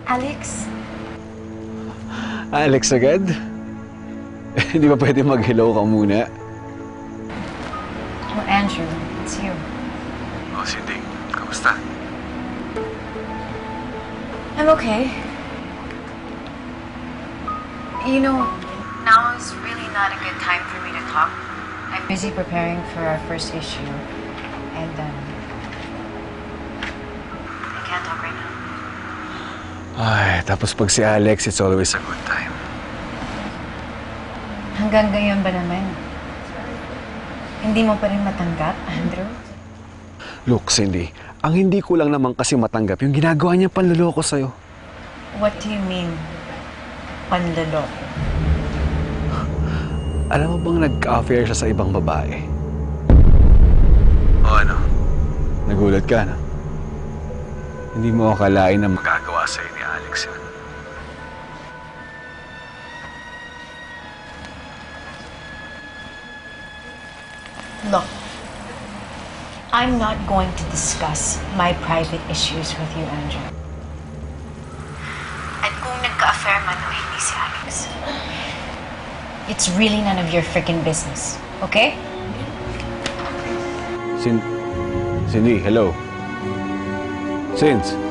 Alex? Alex agad? Hindi ba pwede mag-hello ka muna? Oh, Andrew, it's you. Oh, Cindy. Kamusta? I'm okay. You know, now is really not a good time for me to talk. I'm busy preparing for our first issue, and I can't talk right now. Ay, tapos pag si Alex, it's always a good time. Hanggang ngayon ba naman? Hindi mo pa rin matanggap, Andrew? Look, Cindy, ang hindi ko lang naman kasi matanggap yung ginagawa niya panloloko sa'yo. What do you mean, panloloko? Alam mo bang nagka-affair siya sa ibang babae? O ano? Nagulat ka, no? Hindi mo akalain na magagawa sa'yo ni Alex yun. Look, I'm not going to discuss my private issues with you, Andrew. At kung nagka-affair man o hindi si Alex, it's really none of your freaking business, okay? Cindy, hello. Cindy.